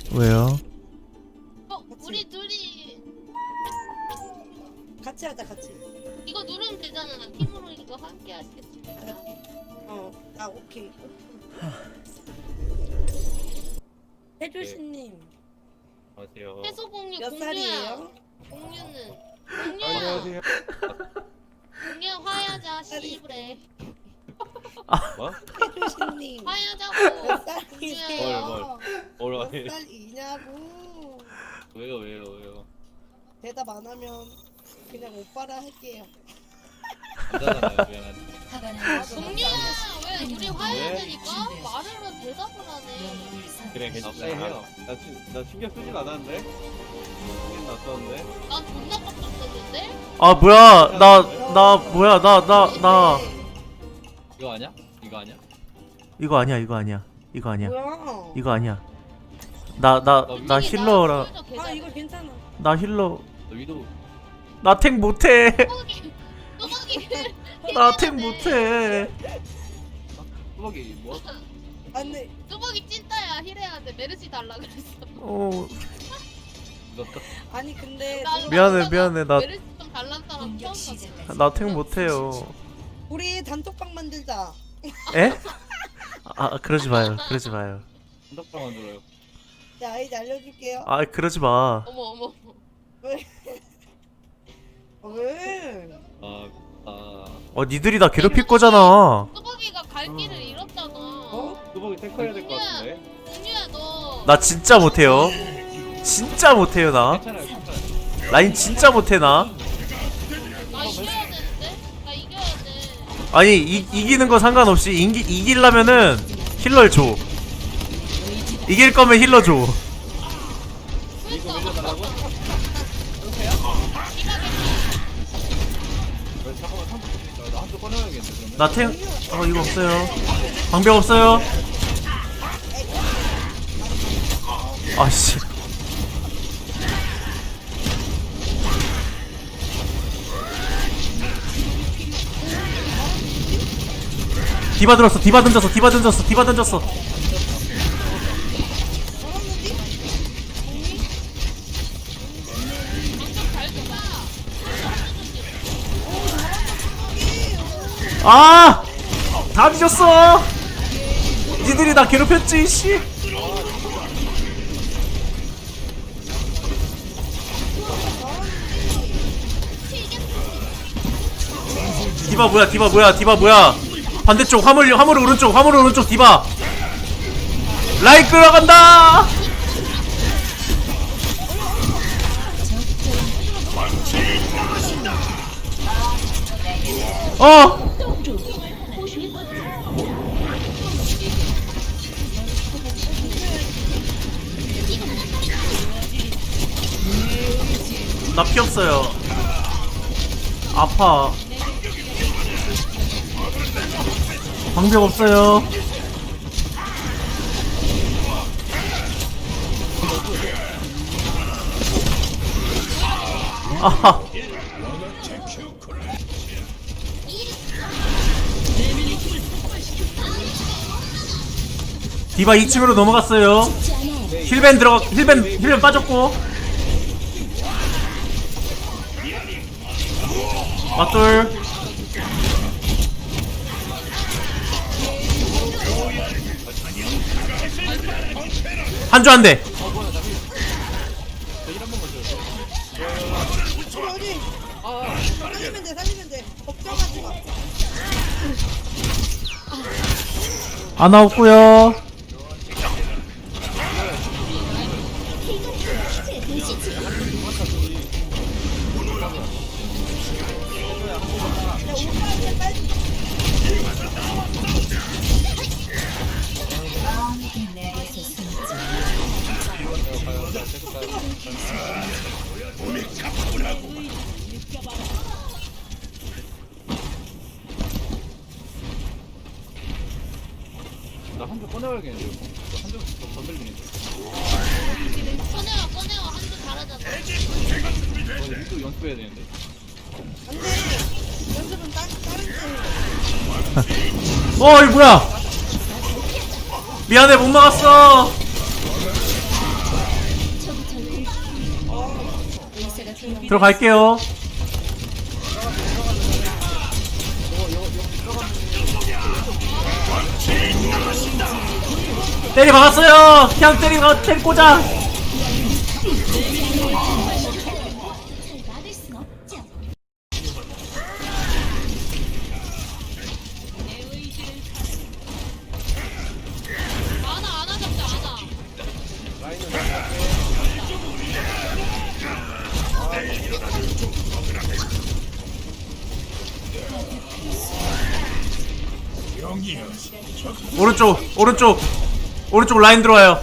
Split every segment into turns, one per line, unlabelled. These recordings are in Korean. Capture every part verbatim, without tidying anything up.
왜요?
어, 우리 둘이
같이 하자 같이.
이거 누르면 되잖아. 팀으로 이거 함께 하시겠습니까?
어, 아 오케이. 해주신님
안녕하세요.
해소 공유
몇
공유야.
살이에요?
공유는 공유야.
안녕하세요.
공유 화야자 시브레.
뭐?
해주신님
화야자고.
몇 살이세요?
뭘, 뭘.
몇 살이냐고.
왜요 왜요 왜요?
대답 안 하면 그냥 오빠라 할게요.
남자잖아요 미안한데.
공유야 왜 우리 화야자니까 말을 해 대답을 하네.
그래 괜찮아 해요. 나, 시, 나 신경 쓰진 않았는데. 신경 났었는데.
난 존나 깜짝했는데.
아 뭐야 나 나 뭐야 나 나 나
이거 아니야? 이거 아니야?
이거 아니야 이거 아니야 이거 아니야
뭐야?
이거 아니야 나 나 나 힐러라
아 이거 괜찮아.
나 힐러
너 위도
나 탱 못해
뚜벅이 뚜벅이.
나 탱 못해
뚜벅이 뭐?
안돼.
뚜벅이 찐따야 힐해야 돼. 메르시 달라 그랬어.
어
너
아니 근데
나는
미안해,
남자가
미안해, 나-
메르시 좀 달란 사람 처음 봤어.
나 탱 못해요
우리 단톡방 만들자.
에? 아 그러지 마요 그러지 마요
한덕방 만들어요.
내 아이디 알려줄게요.
아 그러지 마
어머 어머.
왜? 왜?
아 아.
어 니들이 나 괴롭힐 거잖아
뚜벅이가 갈 길을 잃었잖아.
어?
뚜벅이 탱커해야 될 것 같은데.
공유야 너.
나 진짜 못해요 진짜 못해요 나
괜찮아요 괜찮아요.
라인 진짜 못해 나
나 이겨야 되는데? 나 이겨야 돼.
아니 이, 이기는 거 상관없이 이기, 이기려면은 힐러를 줘 이길 거면 힐러 줘
이거 밀려달라고? 왜 잠깐만 한쪽 있어. 나 한쪽 꺼내야겠네 그러면.
나 탱.. 어 이거 없어요 방벽 없어요 아씨 디바 들었어 디바 던졌어 디바 던졌어 디바 던졌어 아! 다 뒤졌어! 니들이 나 괴롭혔지, 씨! 디바 뭐야, 디바 뭐야, 디바 뭐야! 반대쪽, 화물, 화물 오른쪽, 화물 오른쪽, 디바! 라인 끌어간다! 어! 나 피 없어요. 아파. 방벽 없어요. 아하. 디바 이 층으로 넘어갔어요. 힐벤 들어가, 힐벤, 힐벤 빠졌고. 맞돌. 한조 한 대.
어디? 살리면 돼, 살리면 돼. 걱정하지 마.
안 나왔고요.
나 한쪽 꺼내야겠는데. 한쪽 건들리는데.
꺼내와 꺼내와 한줄 잘하잖아.
어, 위도 연습해야 되는데.
안 돼. 연습은 따, 다른 데.
어, 이 뭐야? 미안해, 못 막았어. 들어갈게요. 때리 박았어요. 그냥 때리 박 때리 꽂아.
아나 아나 잡자 아나.
오른쪽 오른쪽 오른쪽 라인 들어와요.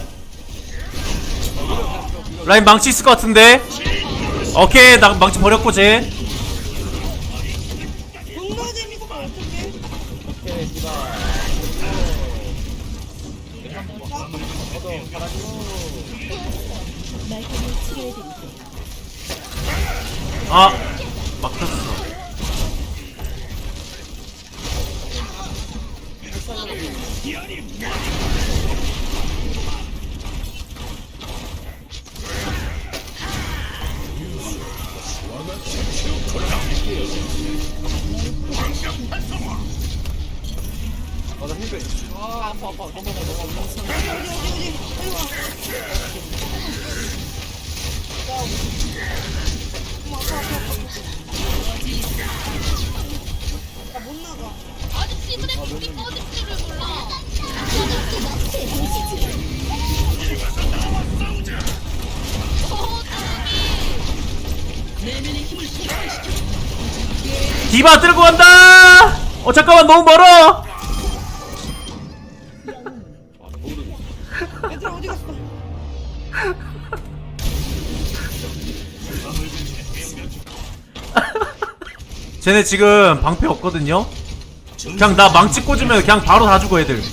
라인 망치 있을 것 같은데. 오케이 나 망치 버렸고 쟤.
존나 재밌어 어떡해.
아 막혔어.
아나 힐백. 아 아파 아파. 너무 아파 너무 아파.
어디 어디 어디. 아이고. 어머 아파 아파 아파. 나못 나가.
아저씨 그래 거기 꺼질지를 몰라. 어
디바 들고 간다. 어 잠깐만 너무 멀어.
얘들아 어디 갔어?
쟤네 지금 방패 없거든요. 그냥 나 망치 꽂으면 그냥 바로 다 죽어 애들.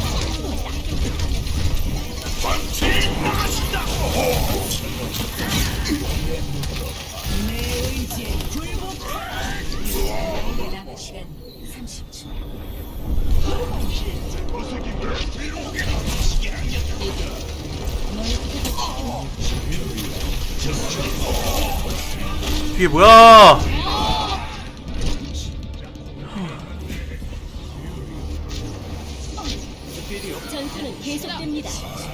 뒤에 뭐야?
전투는 계속됩니다.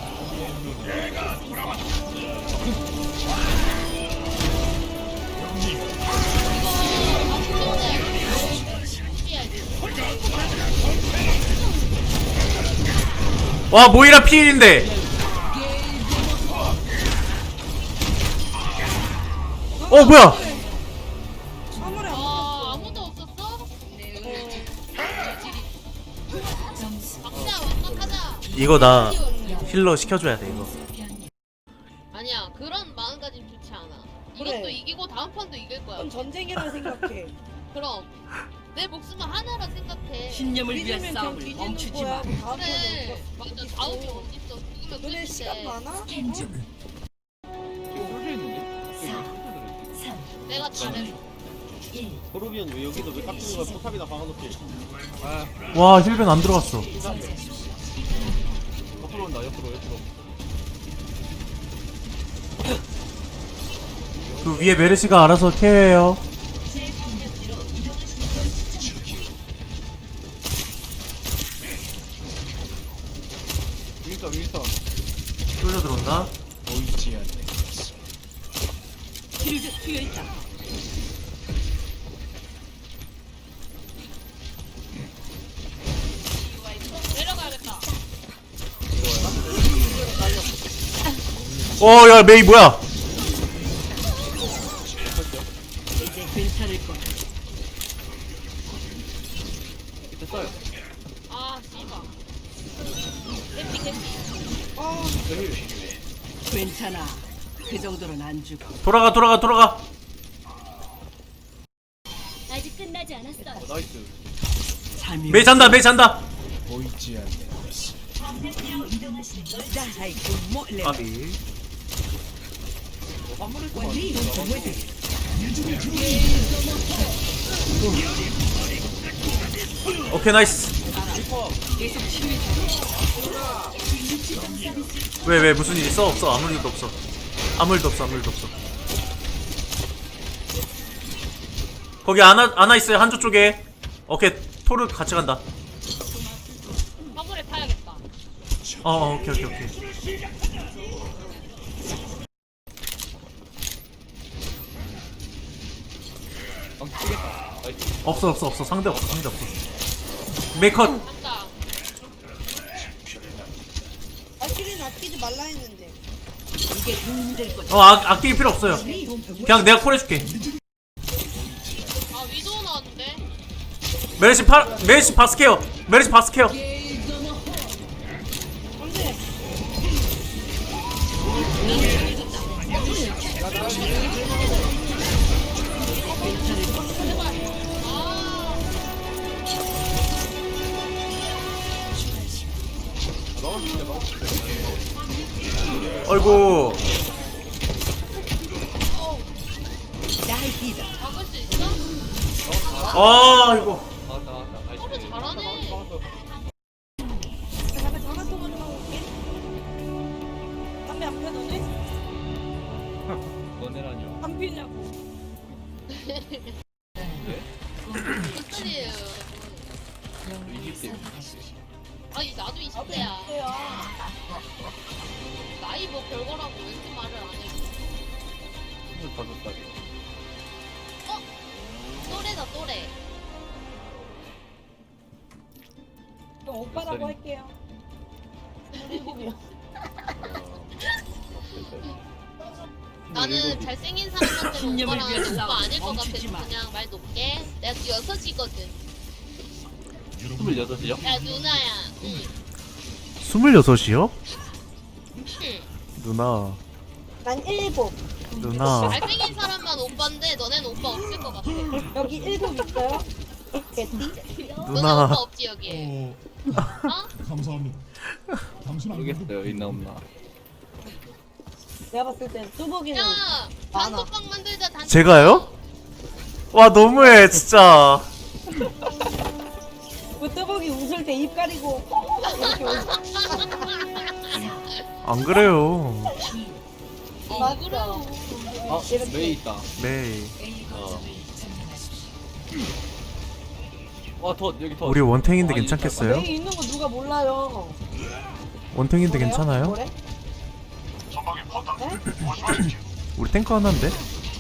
와 모이라 피일인데. 어 뭐야?
아무리 안
아 아무도 없었어? 박자 완벽하자.
이거 나 힐러 시켜줘야 돼 이거.
아니야 그런 마음가짐 좋지 않아.
그래.
이것도 이기고 다음 판도 이길 거야.
그건 전쟁이라고 생각해.
그럼 내 목숨은 하나라 생각해.
신념을 위한
믿으면 그냥
싸움을
뒤지는
멈추지
거야.
마.
다음
그래
번에
맞아 다음이 어딨어. 죽으면
너네 시간
끝인데.
많아?
지금 홀려 있는데?
내가 잘했어.
도르비언 왜 여기도 왜 깎이는 거야? 포탑이나 박아놓게. 아
와 힐벤 안 들어갔어.
옆으로 온다 옆으로 옆으로.
그 위에 메르시가 알아서 케어해요.
윈스턴 윈스턴.
쫄려 들어온다.
힐드 트여 있다.
내려가야겠다.
어야 메이 뭐야?
이제 괜찮을 거야.
됐어요.
아 씨발. 개피 개피.
아
괜찮아. 그 정도는 안 죽어.
돌아가 돌아가 돌아가.
아직 끝나지 않았어요.
나이스.
삶이
메이 잔다 메이 잔다. 까비.
어, 화물을 또
오케이 나이스.
계속 치유해.
왜 왜 무슨 일 있어? 없어 아무 일도 없어. 아무 일도 없어 아무 일도 없어. 거기 아나 아나 있어요 한조 쪽에. 오케이 토르 같이 간다.
화물에 타야겠다.
어, 어 오케이 오케이 오케이.
방 치겠다. 나이스.
없어 없어 없어 상대 없어 상대 없어. 메이컷.
간다.
발키리는 아끼지 말라 했는데.
이게 도움이 될 거다.
어 아, 아낄 필요 없어요. 그냥 내가 콜 해줄게.
아 위도우 나왔는데.
메르시 파 메르시 바스케어. 메르시 바스케어.
안돼.
어이구.
막을 수 있어?
아 이거.
나왔다 나왔다. 나이스.
토르 잘하네.
잠깐 전화 통화 좀 하고 올게. 담배 안 펴더니?
너네라뇨.
안 피냐고.
소리예요.
이십 대.
아니 나도 이십 대야. 나이 뭐 별거라고 왜 이렇게 말을 안 해?
스물다섯 살이.
어? 또래다 또래.
그럼 오빠라고 할게요.
나는 잘생긴 사람한테는
신념을
오빠랑
위해서
오빠
싸워.
아닐 것 같아서
멈추지 마.
그냥 말 높게. 내가 여섯이거든.
스물여섯이요?
야 누나야. 응.
스물여섯이요?
응.
누나.
난 일곱.
누나.
잘생긴 사람만 오빠인데 너네는 오빠 없을 것 같아.
여기 일곱 있어요? 개띠?
너네
누나.
오빠 없지 여기에. 어?
감사합니다. 당신 안
모르겠어요. 있나 없나.
내가 봤을 땐 뚜벅이는
야
많아.
단톡방 만들자 단톡방.
제가요? 와 너무해 진짜.
그 뚜벅이 웃을 때 입 가리고 이렇게 웃.
안 그래요.
어 그래요.
아 메이 있다.
네.
어. 와더 여기 더.
우리 원탱인데
아,
괜찮겠어요?
여기 있는 거 누가 몰라요?
원탱인데
뭐래요?
괜찮아요?
뭐래? 네?
우리 탱커 하나인데?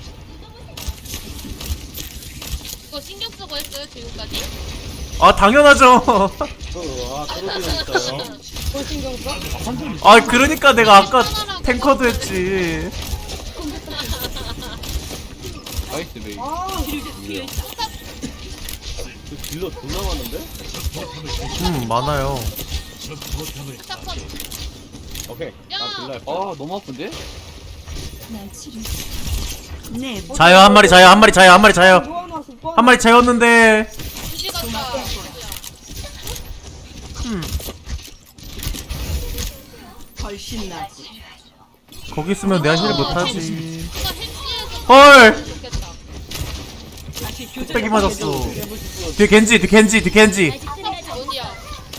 이거 신경 쓰고 했어요 지금까지?
아 당연하죠.
아 떨어지는 있어요.
뭘 신경 써?
아 그러니까 내가 아까 탱커도 했지.
나이스 메이.
아,
그 딜러 존나 많은데?
음 많아요.
사건.
오케이.
야!
아 딜러. 아 너무 아픈데?
네,
자요 한 마리 자요 한 마리 자요 한 마리 자요
누워놔, 누워놔.
한 마리 자였는데.
그지 같다.
음
훨씬 낫지.
거기 있으면 내가 힐
어,
못하지.
누가 햄찌에서
헐.
좋겠다.
다시 교전.
뚝배기 맞았어. 뒤에 겐지 뒤 겐지 뒤 겐지.
어디야?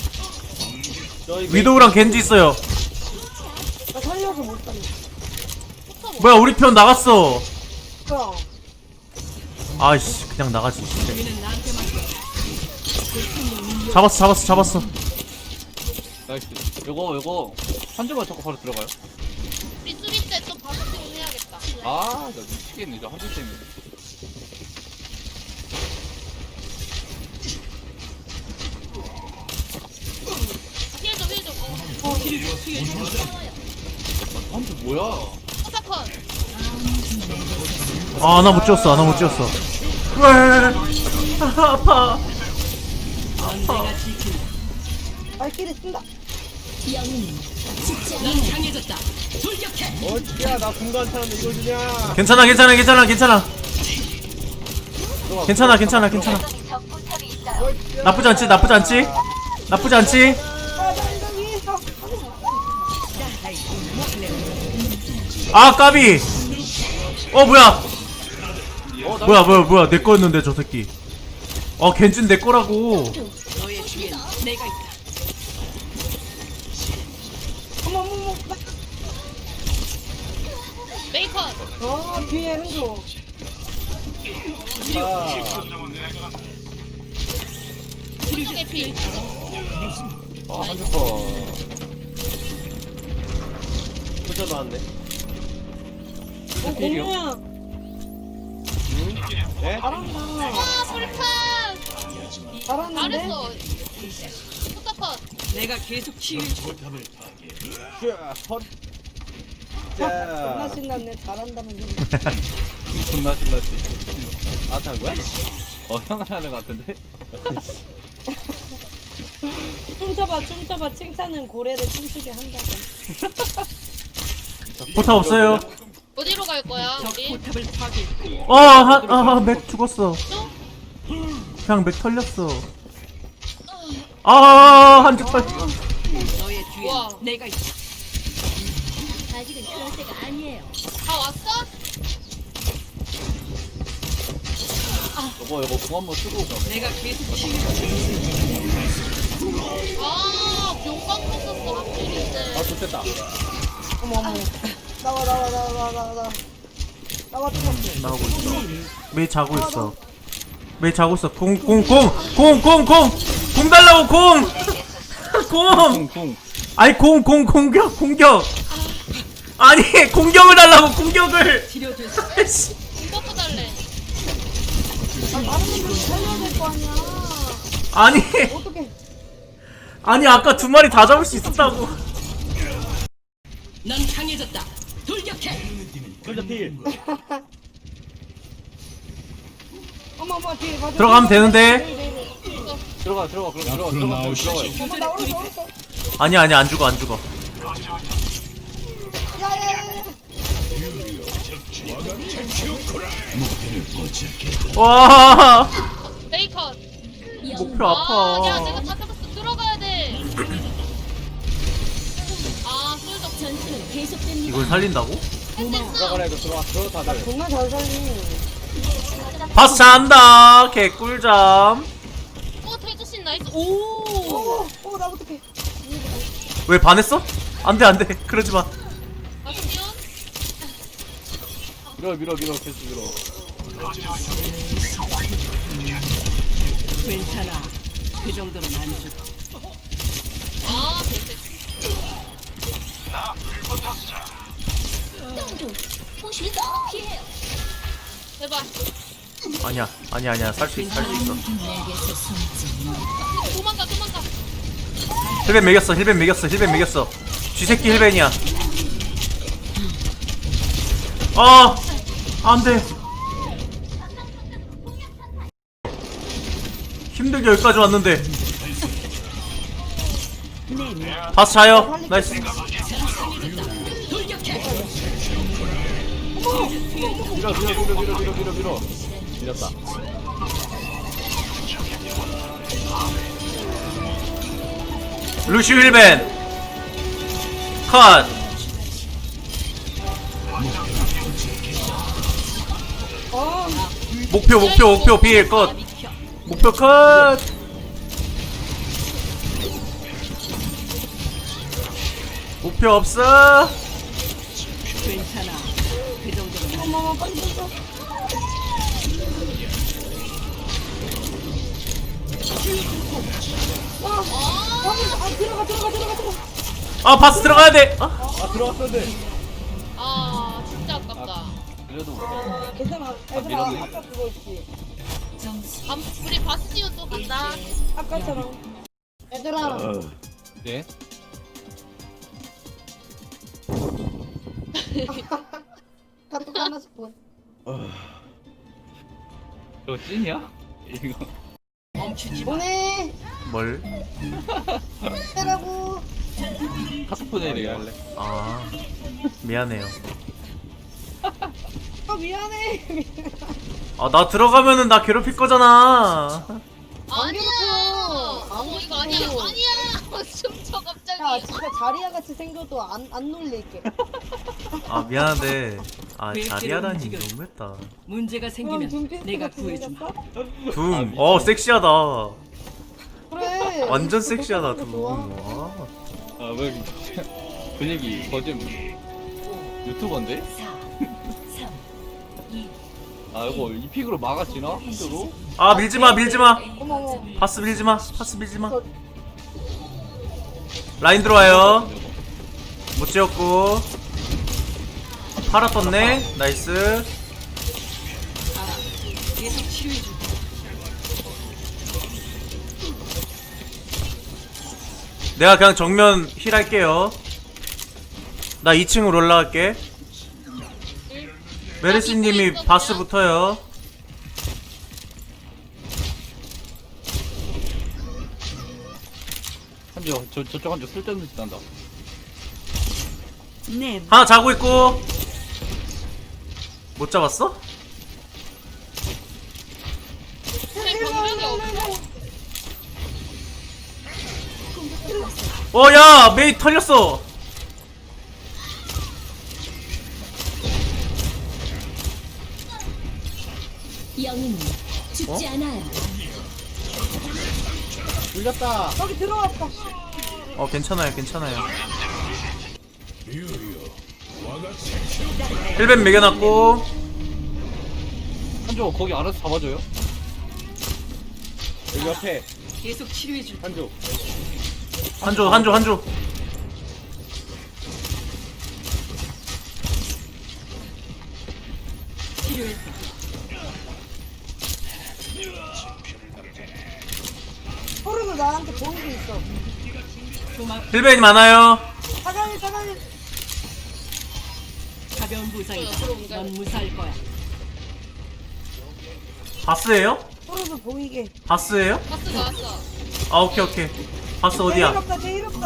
위도우랑 겐지 있어요.
나 살려서 못 살려.
뭐야 우리 편 나갔어.
뭐야?
아이씨 그냥 나가지.
우리는 나한테 맡겨.
잡았어 잡았어 잡았어.
나이스. 요거 요거 한 줄만 잡고 바로 들어가요.
우리 수비 때 또 바로 해야겠다.
아, 나 미치겠네. 저 한 줄 때문에.
힐좀 힐좀. 어.
한 줄 뭐야?
사건.
아 나 못 지웠어 나 못 지웠어. 왜? 아, 아파.
언제가 지킨다.
발키리 쓴다.
넌 강해졌다. 돌격해.
어찌야, 나 공간 차는데 이걸 주냐?
괜찮아 괜찮아 괜찮아 괜찮아. 괜찮아 괜찮아 괜찮아. 나쁘지 않지 나쁘지 않지 나쁘지 않지.
아, 나 여기.
아 까비. 어 뭐야
어, 나
뭐야 뭐야 뭐야 내 거였는데 저 새끼. 어 겐진 내 거라고.
너의 뒤엔 내가 있다.
어머, 어머, 어머.
메이컨.
어, 뒤에 흔들어.
오른쪽에 피.
아, 한줄 거. 혼자 나왔네.
어, 공룡.
네?
잘한다.
아, 불판.
잘하는데?
잘했어. 포탑컷.
내가 계속 치유해줘.
슈아, 헛.
존나
자.
신났네. 잘한다는 얘기.
존나 신났지. 아, 탄 거야? 어, 형을 하는 거 같은데?
춤춰봐, 춤춰봐. 칭찬은 고래를 춤추게 한다고.
포탑 없어요.
어디로 갈 거야,
적
우리?
포탑을 파괴.
어, 한, 아, 맥 죽었어. 그냥 맥 털렸어. 아, 한줄 털.
너의 뒤에
우와.
내가 있다.
아직은 그럴 때가 아니에요.
다 왔어?
여보, 여보, 공 한번 쓰고 가.
내가 계속 치유해줘.
아, 용광 썼었어,
아,
확실인데.
좋겠다.
어머, 어머. 나와, 나와, 나와, 나와, 나와, 나와. 나와, 춤췄어.
나오고 있어. 메이 자고 있어. 메이 자고 있어. 공, 공, 공! 공, 공, 공! 공 달라고, 공! 공!
쿵쿵.
아니, 공, 공, 공격, 공격! 아니, 공격을 달라고, 공격을!
치료됐어.
아이씨.
이거 달래.
아, 다른 분들 살려야 될 거 아니야.
아니,
어떡해.
아니, 아까 두 마리 다 잡을 수 있었다고.
넌 강해졌다. 돌격해.
혼자 필.
어머, 어머, 뒤에 가자.
들어가면 되는데.
네, 네, 네.
들어가, 들어가, 그럼 들어가,
앞으로
들어가,
나오시죠.
들어가.
어머, 나 오른쪽, 오른쪽.
아니, 아니, 안 죽어, 안 죽어.
야, 야, 야, 야.
와,
베이컨.
목표
아, 야,
아파.
내가 다 잡았어. 들어가야 돼. 아, 술적
전투는 계속됩니다.
이걸 살린다고?
들어가라, 이거 들어가, 들어가, 다들.
정말 잘 살리.
바스 잔다. 개꿀잠.
어, 태주신 나이스. 오!
오, 오, 나 어떡해.
왜 반했어? 안 돼, 안 돼. 그러지 마.
아시면
밀어, 밀어, 밀어, 계속 밀어.
괜찮아. 그 정도는 안 죽어.
아, 됐어.
보시죠. 피해요.
제발.
아니야, 아니야, 아니야. 살 수 있어, 살 수 있어.
내게서 숨지.
도망가, 도망가.
힐벤 매겼어, 힐벤 매겼어, 힐벤 매겼어. 쥐새끼 힐벤이야. 아, 안 돼. 힘들게 여기까지 왔는데. 바스 자요. 나이스.
밀어, 밀어, 밀어, 밀어, 밀어, 밀어, 밀어. 밀었다.
루시 힐벤. 컷.
어,
목표, 목표, 목표, 빌 컷. 목표 컷. 목표 없어.
괜찮아. 그 정도는 안
어머, 어머, 빨리 좀 줘. 와, 와, 아, 들어가, 들어가, 들어가, 들어가.
아, 바스 들어가야 돼. 아,
아, 들어왔었는데.
아, 진짜 아깝다.
그래도 못해.
괜찮아. 얘들아,
밀었네.
아까 그거 있지.
밤, 우리 바스티온 또 간다.
아까처럼. 얘들아,
네?
카톡 하나씩 보.
이거 찐이야? 이거.
멈추지 마.
보내.
뭘?
해라고.
카톡 보내야 할래?
아, 미안해요.
아, 미안해.
아, 나 들어가면은 나 괴롭힐 거잖아.
아니야.
괴롭혀.
어, 이거 아니야.
괴롭혀.
아니야. 춤춰 갑자기.
야, 진짜 자리야 같이 생겨도 안, 안 놀릴게.
아, 미안한데. 아,
왜
자리하다니
이렇게
너무했다.
문제가
그럼
생기면
눈빛
내가
같이
구해준다.
생겼어?
둠. 어, 섹시하다.
그래.
완전 섹시하다, 둠.
좋아.
와.
아, 왜 분위기 거짓 유튜버인데?
사, 삼, 이,
아 이거 이 픽으로 막아지나? 한조로?
아 밀지마 밀지마.
어머 어머.
바스 밀지마. 바스 밀지마. 라인 들어와요. 못 지었고. 팔아 떴네. 나이스.
계속 치료해줘.
내가 그냥 정면 힐 할게요. 나 이 층으로 올라갈게. 메르시님이 바스 붙어요.
한조 저 저쪽 한조 쓸데없는 짓 한다.
네.
하나 자고 있고. 못 잡았어?
근데 공격이 없어.
어, 야, 메이 털렸어.
영웅은 죽지 않아요.
물렸다. 여기 들어왔다.
어, 괜찮아요, 괜찮아요. 힐벤 매겨놨고.
한조 거기 알아서 잡아줘요.
여기 옆에
계속 치료해줘.
한조.
한조, 한조, 한조.
치료했어.
소르도 나한테 보이고 있어.
도마
힐벤이 많아요.
사장님 사장님.
가벼운 부상이다. 넌 무사할 거야.
바스예요?
소르도 보이게.
바스예요?
바스 나왔어.
아, 오케이, 오케이. 바스 어디야?
제일 없다 제일 없다.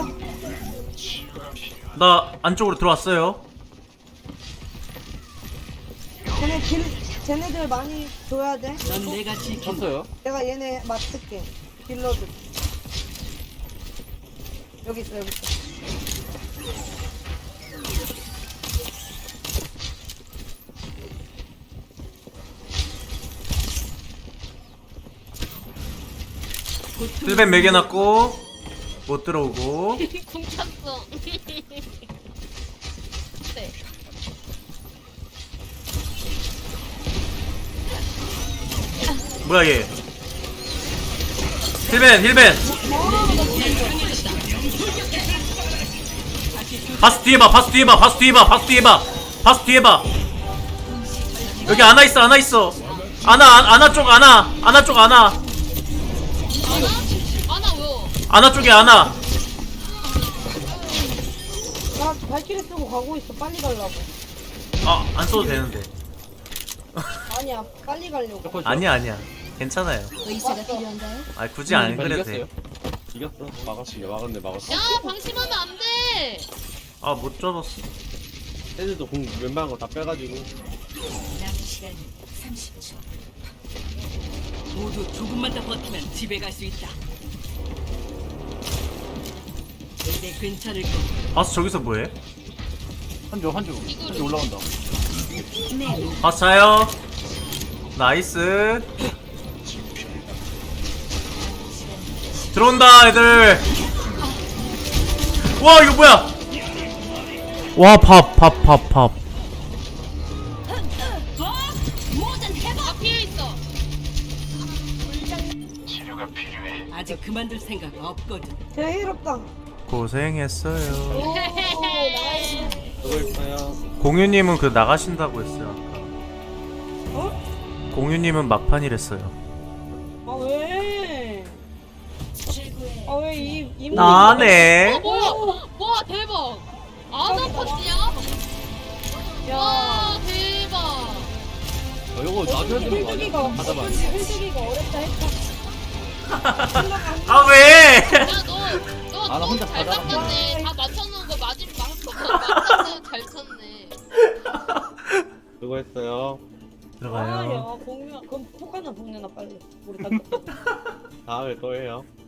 나 안쪽으로 들어왔어요.
쟤네 길 쟤네들 많이 줘야 돼.
넌 내가 지킨다.
쳤어요.
내가 얘네 맡을게. 딜러들. 여기 있어 여기 있어.
고통.
힐벤 매겨놨고. 못 들어오고.
궁 찼어. 네.
뭐야, 얘. 힐벤, 힐벤. 바스 뒤에 봐, 바스 뒤에 봐, 바스 뒤에 봐, 바스 뒤에 봐. 바스 뒤에 봐. 여기 아나 있어, 아나 있어. 아나, 아- 아나 쪽, 아나. 아나 쪽, 아나.
아나? 아나 왜요?
아나 쪽에 아나.
나 발키리 쓰고 가고 있어. 빨리 가려고.
아, 안 써도 되는데.
아니야 빨리 가려고.
아니야, 아니야. 괜찮아요.
의사가 필요한가요?
아, 굳이 안 그래도
이겼어요.
돼.
이겼어. 막았어. 막았네 막았어.
야 방심하면 안 돼.
아, 못 잡았어.
애들도 공 웬만한 거 다 빼가지고.
남은 시간 삼십 초.
모두 조금만 더 버티면 집에 갈 수 있다. 이제 괜찮을 거야.
바스 저기서 뭐해?
한조 한조 한조 올라간다.
바스 자요. 나이스. 들어온다, 애들. 와, 이거 뭐야? 와, 밥, 밥, 밥, 밥.
다 피해 있어.
아직 그만둘 생각 없거든.
제일 없다.
고생했어요.
오 나이스.
저거 있어요.
공유님은 그 나가신다고 했어요. 아까.
어?
공유님은 막판이랬어요.
아 왜? 아 왜 이 이.
나네.
어 뭐야? 와 대박. 아나 펀치야?
야.
와 대박.
어, 이거 놔줘야 되는 거
힐주기가
아니야? 받아봐.
힐주기가 어렵다 했다.
아, 왜?
야너너
아, 나 혼자
잘
받아라.
깎았네. 다 맞춰놓은 거 맞으면 맞췄어. 잘 쳤네.
수고했어요.
들어가요.
아야 공유 그럼 폭 하나 보내놔 빨리. 우리 다.
다음에 또 해요.